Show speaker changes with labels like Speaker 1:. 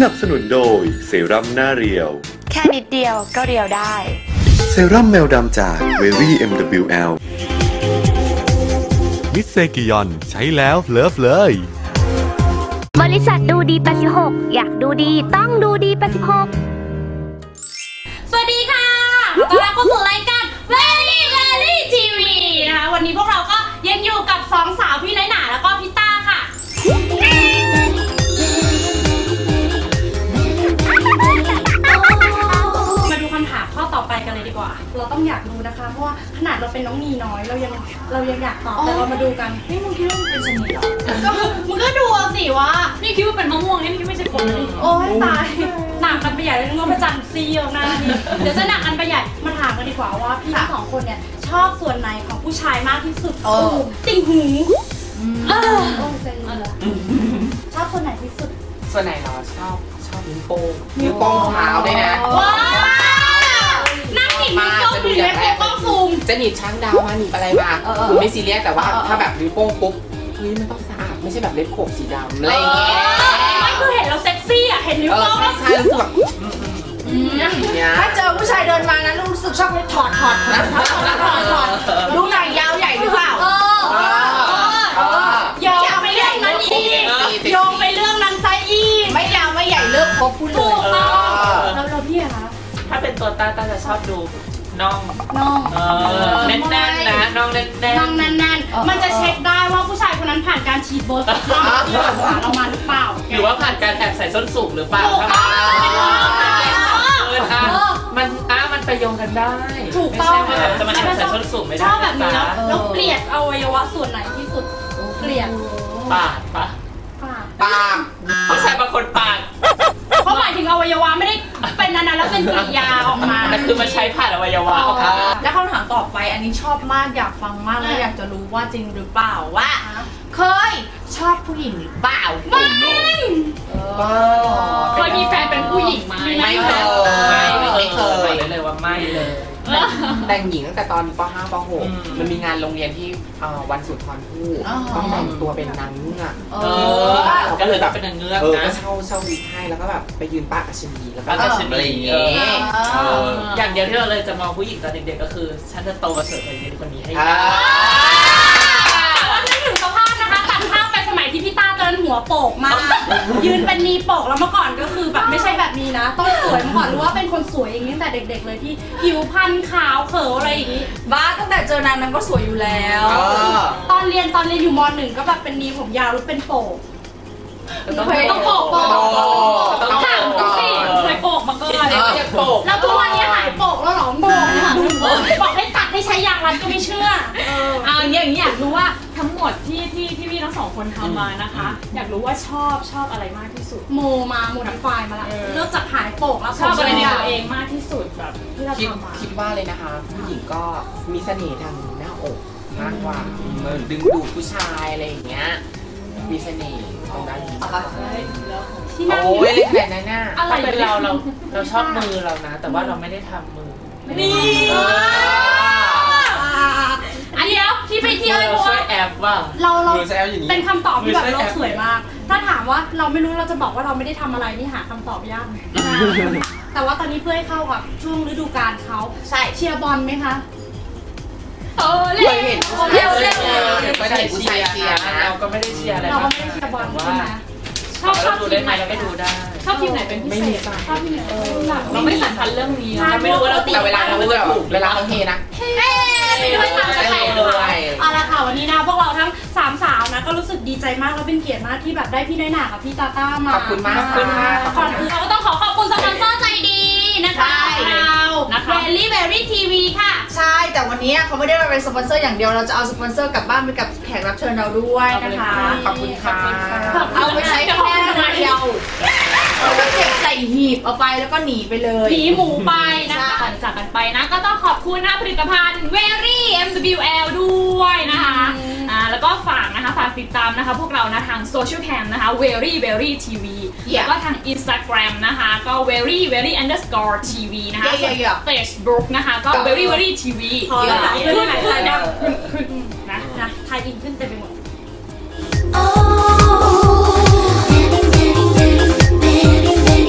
Speaker 1: นับสนุนโดยเซรั่มหน้าเรียว
Speaker 2: แค่นิดเดียวก็เรียวได้
Speaker 1: เซรั่มแมวดำจาก Very MWL
Speaker 3: มิสเซกิยอนใช้แล้วเลิฟเลย
Speaker 4: บริษัทดูดี86อยากดูดีต้องดูดี86
Speaker 5: สวัสดีค่ะต้อนรับเข้าสู่รายการ Very Very TV นะคะวันนี้พวกเราก็ยังอยู่กับสองสาวพี่น้อยหนาแล้วก็พี่ต้าค่ะมาดูคำถามข้อต่อไปกันเลยดีกว่าเราต้องอยากรู้นะคะเพราะว่าขนาดเราเป็นน้องนีน้อยเรายังอยากตอบแต่เรามาดูกันนี่มึงคิดว่ามึงเป็นชนิดเหรอก็มึงก็ดูสิว่านี่คิดว่าเป็นมะม่วงนี่คิดไม่ใช่ผลเลยโอ้ยตายหนักกันไปใหญ่เลยนึกว่าพระจันทร์ซีออกหน้านี่เดี๋ยวจะหนักกันไปใหญ่มาถามกันดีกว่าว่าพี่ทั้งสองคนเนี่ยชอบส่วนไหนของผู้ชายมากที่สุดติ่งหูชอบส่วนไหนที่สุด
Speaker 6: ส่วนไหนเราชอบนิ้วโป้งขาวด้วยนะ
Speaker 5: ว้าวนั่งหนีบนิ้วโป้งหนีบเล็บโป้งซูม
Speaker 6: จะหนีบช้างดาวมาหนีบอะไรมาไม่ซีเรียสแต่ว่าถ้าแบบนิ้วโป้งปุ๊บเฮ้ยมันต้องสะอาดไม่ใช่แบบเล็บโขบสีดำอะไรอย่างเงี้ย
Speaker 5: ไม่คือเห็นเราเซ็กซี่อ่ะเห็นนิ้วโป้ง
Speaker 6: ใช่รู้สึกแบบ
Speaker 7: ถ้าเจอผู้ชายเดินมานะรู้สึกชอบเลยถอดดูหนังยาวใหญ่หรือเปล่า
Speaker 5: โยงไปเรื่องนั้นอีกโยงไปเรื่องนั้นซะอีก
Speaker 7: ไม่ยาวไม่ใหญ่เลิกครบพูดเลย
Speaker 5: เราพี่อะคะ
Speaker 8: ถ้าเป็นตัวต้าจะชอบดูน่องแน่นๆนะน่องแน่น
Speaker 5: มันจะเช็คได้ว่าผู้ชายคนนั้นผ่านการฉีดโบท็อกซ์ที่ขาเรามาหรือเปล่า
Speaker 8: หรือว่าผ่านการแอบใส่ส้นสูงหรือเปล่ามันไปโยงกันได้
Speaker 5: ถูกต้อง
Speaker 8: จะมาแอบใส่ส้นสูงไม่ได้
Speaker 5: ชอบแบบนี้แล้วเกลียดอวัยวะส่วนไหนที่สุดเกลียด
Speaker 8: ปากผู้ชายบางคนปาก
Speaker 5: เขาหมายถึงอวัยวะไม่ได้เป็นนั้นแล้วเป็นกริยาออกมา
Speaker 8: แต่คือมันใช้ผ่านอวัยวะ
Speaker 7: แล้วคำถามต่อไปอันนี้ชอบมากอยากฟังมากและอยากจะรู้ว่าจริงหรือเปล่าว่าเคยชอบผู้หญิงหรือเปล่า
Speaker 5: เคยมีแฟนเป็นผู้หญิงไหม
Speaker 6: ไม่เคย
Speaker 8: เลยว่าไม่เลย
Speaker 6: แต่งหญิงตั้งแต่ตอนป.5 ป.6 มันมีงานโรงเรียนที่วันสุนทรภู่ต้องแต่งตัวเป็นนางเงือก
Speaker 8: ก็เลยแบบเป็นนางเงือก
Speaker 6: นะก็เช่าวิกให้แล้วก็แบบไปยืนป้าอัชนีแล้วก็
Speaker 8: อะไรอย่างเงี้ยอย่างเดียวที่เราเลยจะมองผู้หญิงตอนเด็กๆก็คือฉันจะโตมาเสิร์ฟไอ้คนนี้ให้
Speaker 5: นึกถึงสภาพนะคะตัดภาพไปสมัยที่พี่ต้าเดินหัวโปกมากยืนเป็นนีโปกแล้วเมื่อก่อนก็คือแบบไม่ใช่แบบนี้นะต้องสวยเมื่อก่อนรู้ว่าเป็นคนสวยอย่างนี้ตั้งแต่เด็กๆเลยที่ผิวพรรณขาวเขยวอะไรอย่างนี้
Speaker 7: บ้าตั้งแต่เจอนางก็สวยอยู่แล้ว
Speaker 5: ตอนเรียนอยู่ม.1 ก็แบบเป็นนีผมยาวแล้วเป็นโปกต้องโปกถามกูสิเคยโปกมาก่อนแล้วทุกวันนี้หายโปกแล้วหรอโปกเนี่ยบอกให้ตัดให้ใช้ยางรัดก็ไม่เชื่อ
Speaker 9: อย่างนี้อยากรู้ว่าทั้งหมดที่พี่ทั้งสองคนทำมานะคะอยากรู้ว่าชอบอะไรมากที่สุด
Speaker 5: โมดิฟายมาละเริ่มจากหายโปกแล้ว
Speaker 9: ชอบอะไรในตัวเองมากที่สุดแบบที่เราทำมา
Speaker 6: คิดว่าเลยนะคะผู้หญิงก็มีเสน่ห์ทางหน้าอกมากกว่าดึงดูดผู้ชายอะไรอย่างเงี้ยมีเสน่ห์ตรงนั้น
Speaker 5: ที่นั่ง
Speaker 6: อยู่เลยขนาดนั้นน่ะ
Speaker 8: ถ้าเป็นเราชอบมือเรานะแต่ว่าเราไม่ได้ทำมือ
Speaker 5: นี่อันเดียวที่ไปเที่ยวเลยเพราะว่า
Speaker 8: แอบว่า
Speaker 5: เราเป็นคำตอบที่แบบโลกสวยมากถ้าถามว่าเราไม่รู้เราจะบอกว่าเราไม่ได้ทำอะไรนี่หาคำตอบยากแต่ว่าตอนนี้เพื่อให้เข้ากับช่วงฤดูกาลเขาใช่เชียร์บอลไหมคะ
Speaker 6: เล่นไม่ได้ผู้ชายเชียร์
Speaker 8: เราก็ไม่ได้เชียร์อะไร
Speaker 5: เราก็ไม่ได้เชียร์บอลใช่ไหม
Speaker 8: ชอบดูได้ไหมเราไม่ดูได้
Speaker 5: ชอบทีมไหนเป็นพิเศษชอบทีมไหน
Speaker 9: เราไม่สำคัญเรื่องนี้เรา
Speaker 8: ไม่รู้ว่าเรา
Speaker 6: แต่เวลาเราไม่ถูกเวลาเขาเฮนะ
Speaker 5: ไปด้วยทางกระแสเอาละค่ะวันนี้นะพวกเราทั้ง3สาวนะก็รู้สึกดีใจมากและเป็นเกียรติมากที่แบบได้พี่น้อยหนากับพี่ต้ามา
Speaker 6: ขอบคุณมาก
Speaker 5: ก่อนอื่นเราก็ต้องขอบคุณสปอนเซอร์ใจดีนะคะเราVery TV ค่ะ
Speaker 7: ใช่แต่วันนี้เขาไม่ได้มาเป็นสปอนเซอร์อย่างเดียวเราจะเอาสปอนเซอร์กลับบ้านไปกับแขกรับเชิญเราด้วยนะคะ
Speaker 6: ขอบคุณค่ะ
Speaker 7: เอาไปใช้แค่เดียวแล้วก็เก็บใส่หีบเอาไปแล้วก็หนีไปเลย
Speaker 5: หนีหมูไปนะคะก่อนจากกันไปนะก็ต้องขอบคุณผลิตภัณฑ์ Very MWL ด้วยนะคะแล้วก็ฝากติดตามนะคะพวกเรานะทางโซเชียลแคมนะคะ Very TV แล้วก็ทาง Instagram นะคะก็ very TV นะคะ Facebook นะคะก็ Very TV ขึ้นนะไทยอินขึ้นเต็มไปหมด
Speaker 4: Oh